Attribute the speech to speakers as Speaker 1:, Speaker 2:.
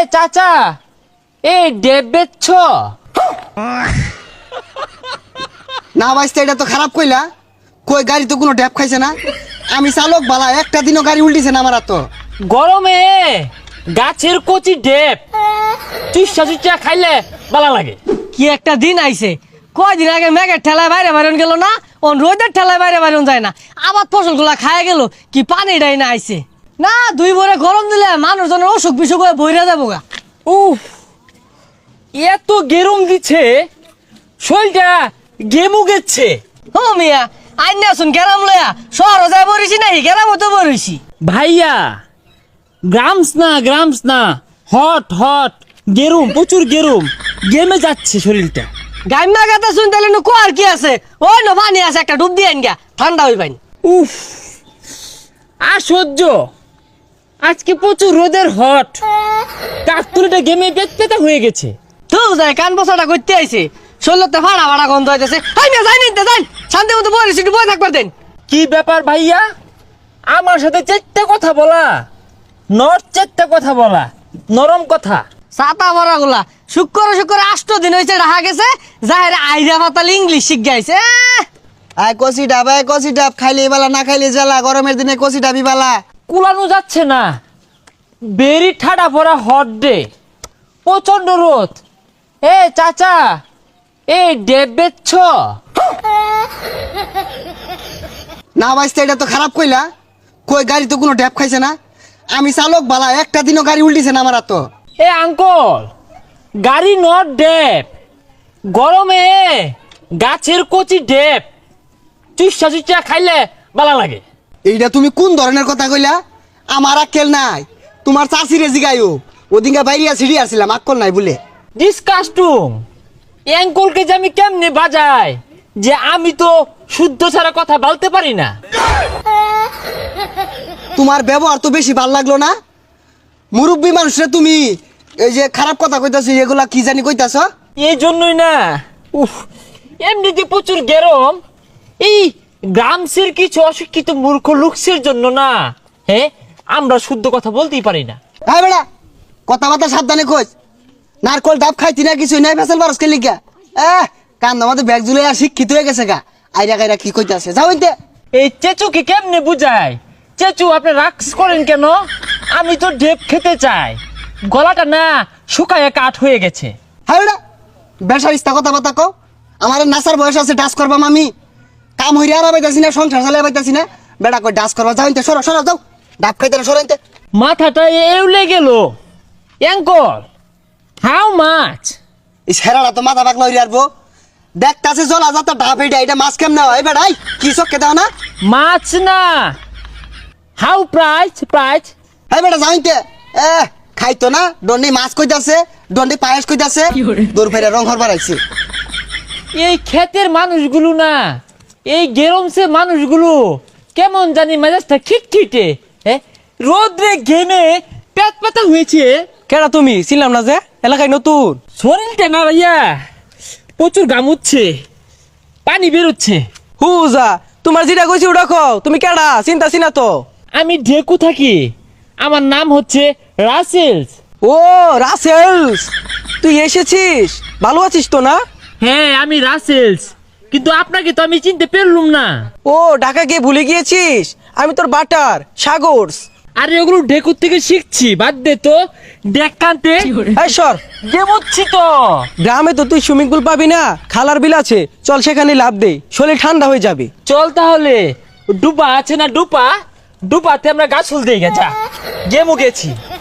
Speaker 1: চাচা এই ডেব বেচছ?
Speaker 2: না ভাইস্তা, এটা তো খারাপ কইলা। কই গাড়ি তো কোনো ড্যাপ খাইছে না। আমি চালক বালা, একটা দিনও গাড়ি উল্টিছে না আমার। তো
Speaker 1: গরমে গাছের কচি ডেব চুষা চুষা খাইলে ভালো লাগে।
Speaker 3: কি একটা দিন আইছে, কয়দিন আগে মেঘের ঠেলায় বাইরে বাইরন গেল না, ও রোদের ঠেলায় বাইরে বাইরন যায় না, আবার ফসলগুলা খায় গেল। কি পানিটাই না আইছে না, দুই ভরে গরম দিলে মানুষজনের অসুখ বিসুখ হয়ে বইরা যাবো গা।
Speaker 1: উফ, এত গেরম দিচ্ছে, শরীরটা গেমু গেছে।
Speaker 3: ও মিয়া, আইন আসুন গেরাম লয়া শহর যায় বরিছি নাই, গেরাম তো বরিছি।
Speaker 1: ভাইয়া গ্রামস না, হট হট গেরুম, প্রচুর গেরুম, গেমে যাচ্ছে শরীরটা।
Speaker 3: গাইমা গাতা শুন তাহলে নু কোয়ার কি আছে, ওই নো পানি আছে, একটা ডুব দিয়ে আইন গা, ঠান্ডা হই পাইন।
Speaker 1: উফ, আর সহ্য। আজকে প্রচুর রোদের হট, কাকতুলিটা গেমে পেতা হয়ে গেছে।
Speaker 3: তো যায় কান বসাটা করতে আইছে, শরীরতে ফাড়া ফাড়া গন্ধ হইতেছে। আই না যাই নিতে যাই, শান্তি মতো বরিছি, একটু বই থাকবার দেন।
Speaker 1: কি ব্যাপার ভাইয়া, আমার সাথে চারটা কথা বলা, চারটা কথা বলা, নরম কথা।
Speaker 3: ছাতা ভরা গুলা শুক্র 8 দিন হয়েছে রাখা গেছে, যাহের আইরা পাতাল ইংলিশ শিখ গাইছে।
Speaker 2: আয় কষি ডাব খাইলে বালা, না খাইলে জ্বালা। গরমের দিনে কষি ডাবি বালা।
Speaker 1: কুলানো যাচ্ছে না, বেরি ঠাডা পড়া হট ডে, প্রচন্ড রোদ। এ চাচা এই ডেব বেচছ?
Speaker 2: না ভাইস্তা, এটা তো খারাপ কইলা। কই গাড়ি তো কোনো ড্যাপ খাইছে না। আমি চালক বালা, একটা দিনও গাড়ি উল্টিছে না আমার। তো
Speaker 1: এ আঙ্কল, গাড়ি নট ডেব, গরমে গাছের কচি ডেব চুষা চুষা খাইলে ভালো লাগে।
Speaker 2: এইটা তুমি কোন ধরনের কথা কইলা? আমার আক্কেল নাই। তোমার চাষিরে জিগাইও, ওদিনকে বাইরিয়া ছিড়ি আসছিলাম, আক্কল নাই বলে।
Speaker 1: ডিসকাস্টুম, অ্যাঙ্কলকে যে আমি কেমনে বাজাই, যে আমি তো শুদ্ধ ছাড়া কথা বলতে পারি না।
Speaker 2: তোমার ব্যবহার তো বেশি ভাল লাগলো না। মুরব্বী মানুষরা তুমি এই যে খারাপ কথা কইতাছো, এগুলা কি জানি কইতাছ?
Speaker 1: এই জন্যই না, উফ, এমনিতে প্রচুর গরম। এই গ্রামসের কিছু অশিক্ষিত মূর্খ লোকসের জন্য না, হ্যাঁ, আমরা শুদ্ধ কথা বলতেই পারি না।
Speaker 2: হ্যাঁ বেড়া, কথাবার্তা সাবধানে কইস। নারকল ডাব খাইতি না, কিছু নাই, ফেসাল বারস কে লিখা। কান আমাদের ব্যাগ জুলে আর শিক্ষিত হয়ে গেছে গা। আইরা গাইরা কি কইতাছে, যাও ইনতে।
Speaker 1: এই চেচুকে কেমনে বুঝায়? চেচু, আপনি রাক্স করেন কেন? আমি তো ডেপ খেতে চাই, গলাটা না শুকায় কাঠ হয়ে গেছে।
Speaker 2: হ্যাঁ বেড়া, বেসার ইস্তা কথাবার্তা কও। আমার নাসার বয়স আছে, ডাস করবাম আমি। কাম হইরে আর পাইতাছি না, সংসার চালাই পাইতাছি না। বেড়া কই ডাস করবা, যাও ইনতে, সরো সরো, যাও। ডাব খাইতে না, সরো ইনতে।
Speaker 1: মাথাটা এউলে গেল। Uncle, how much?
Speaker 2: এই ছেড়াটা তো মাথা পাকলা হইরে আরবো। দেখতাছে জলা যাতা ডাব, এটা মাছ কেমনে হয় বেড়াই? কি চক্কে দাও না?
Speaker 1: মাছ না, হাউ প্রাইস?
Speaker 2: হ্যাঁ বেটা, যাও ইনতে। খাইতো না, দন্ডি মাছ কইতাছে, দন্ডি পায়েস কইতাছে, দূর ফেরে রং হরবার আইছে।
Speaker 1: এই ক্ষেতের মানুষগুলো না, এই গেরমসে মানুষগুলো কেমন জানি মেজাজটা খিটখিটে, হ্যাঁ, রোদ্রে ঘেমে পেট পাতা হয়েছে।
Speaker 3: কেডা তুমি? ছিলাম না যে এলাকায় নতুন।
Speaker 1: শরীরটা না ভাইয়া প্রচুর গামুচ্ছে, পানি বেরোচ্ছে।
Speaker 3: হুজা, তোমার যেটা কইছি ওটা কও। তুমি কেডা? চিন্তা চিনা তো।
Speaker 1: আমি ঢেকু থাকি, আমার নাম হচ্ছে রাসেলস।
Speaker 3: ও রাসেলস, তুই এসেছিস? ভালো আছিস তো না?
Speaker 1: হ্যাঁ, আমি রাসেলস, কিন্তু আপনাকে তো আমি চিনতে পারলুম না।
Speaker 3: ও ঢাকা গিয়ে ভুলে গিয়েছিস? আমি তোর বাটার সাগরস।
Speaker 1: আরে ওগুলো ঢেকুর থেকে শিখছি, বাদ দে তো। দেখ কান্তে
Speaker 3: এই সর,
Speaker 1: গেমুচ্ছি তো।
Speaker 3: গ্রামে তো তুই সুইমিং পুল পাবি না, খালার বিল আছে, চল সেখানে লাভ দে, শরীর ঠান্ডা হয়ে যাবে।
Speaker 1: চল তাহলে, ডুবা আছে না, ডুপাতে আমরা গাছ ফুল দিয়ে গেছা, গেমু গেছি।